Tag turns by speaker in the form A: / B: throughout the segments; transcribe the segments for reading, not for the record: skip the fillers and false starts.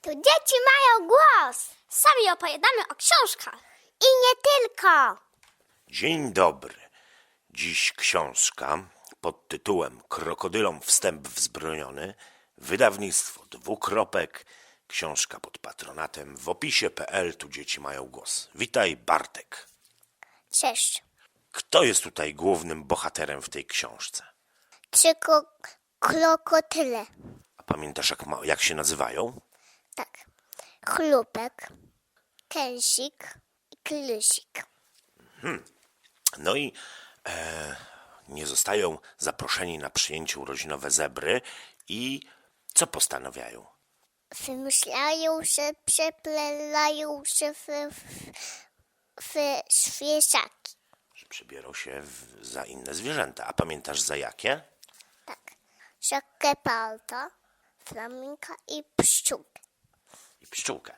A: Tu dzieci mają głos. Sami opowiadamy o książkach. I nie tylko.
B: Dzień dobry. Dziś książka pod tytułem Krokodylom wstęp wzbroniony. Wydawnictwo Dwukropek. Książka pod patronatem w opisie.pl. Tu dzieci mają głos. Witaj, Bartek.
A: Cześć.
B: Kto jest tutaj głównym bohaterem w tej książce?
A: Trzy krokodyle.
B: A pamiętasz, jak się nazywają?
A: Tak. Chlupek, kęsik i klysik.
B: No i nie zostają zaproszeni na przyjęcie urodzinowe zebry i co postanawiają?
A: Wymyślają się, przeplelają się w świeżaki.
B: Że przebiorą się za inne zwierzęta. A pamiętasz za jakie?
A: Tak. Za geparda, flaminka i pszczółkę.
B: I pszczółkę.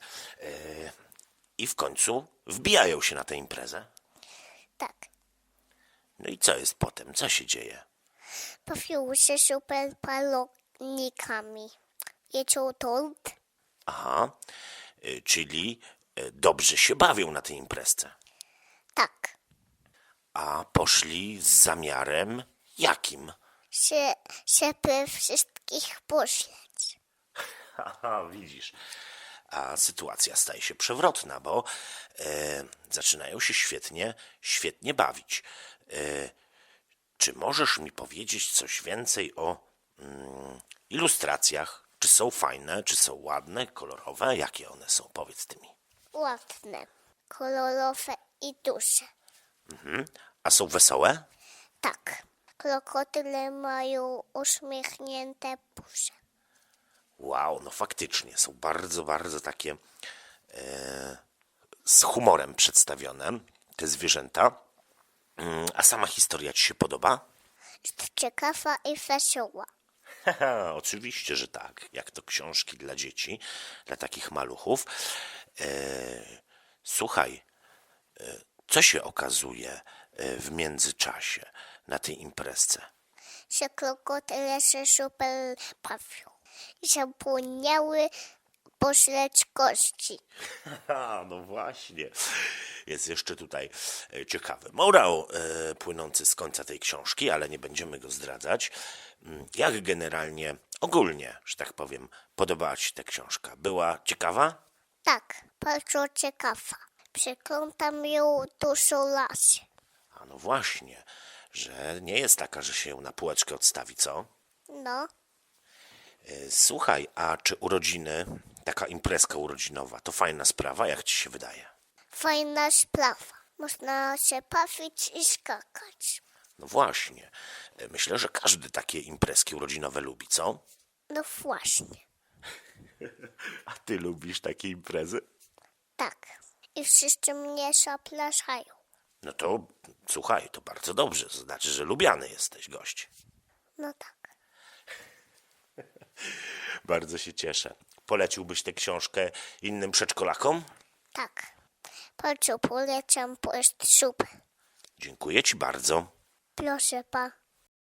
B: I w końcu wbijają się na tę imprezę.
A: Tak.
B: No i co jest potem? Co się dzieje?
A: Bawią się super balonnikami. Jedzą tort.
B: Aha, czyli dobrze się bawią na tej imprezce.
A: Tak.
B: A poszli z zamiarem jakim?
A: Żeby wszystkich pośleć.
B: Haha, widzisz. A sytuacja staje się przewrotna, bo zaczynają się świetnie bawić. Czy możesz mi powiedzieć coś więcej o ilustracjach? Czy są fajne, czy są ładne, kolorowe? Jakie one są? Powiedz ty mi.
A: Ładne, kolorowe i duże.
B: A są wesołe?
A: Tak. Krokodyle mają uśmiechnięte buzie.
B: Wow, no faktycznie, są bardzo takie z humorem przedstawione, te zwierzęta. A sama historia ci się podoba?
A: Jest ciekawa i wesoła.
B: Haha, oczywiście, że tak. Jak to książki dla dzieci, dla takich maluchów. Słuchaj, co się okazuje w międzyczasie na tej imprezce?
A: Że krokodyle się super bawią. Zapomniały pośleć kości.
B: No właśnie. Jest jeszcze tutaj ciekawy morał płynący z końca tej książki, ale nie będziemy go zdradzać. Jak generalnie, ogólnie, że tak powiem, podobała ci ta książka? Była ciekawa?
A: Tak, bardzo ciekawa. Przeglądam ją dużo razy.
B: A no właśnie, że nie jest taka, że się ją na półeczkę odstawi, co?
A: No,
B: Słuchaj, a czy urodziny, taka imprezka urodzinowa, to fajna sprawa, jak ci się wydaje?
A: fajna sprawa. Można się bawić i skakać.
B: No właśnie, myślę, że każdy takie imprezki urodzinowe lubi, co?
A: No właśnie,
B: A ty lubisz takie imprezy?
A: tak. I wszyscy mnie zapraszają.
B: No to słuchaj, to bardzo dobrze, to znaczy, że lubiany jesteś gość.
A: No tak.
B: Bardzo się cieszę. Poleciłbyś tę książkę innym przedszkolakom?
A: Tak. Bardzo polecam, bo jest super.
B: Dziękuję ci bardzo.
A: Proszę pa.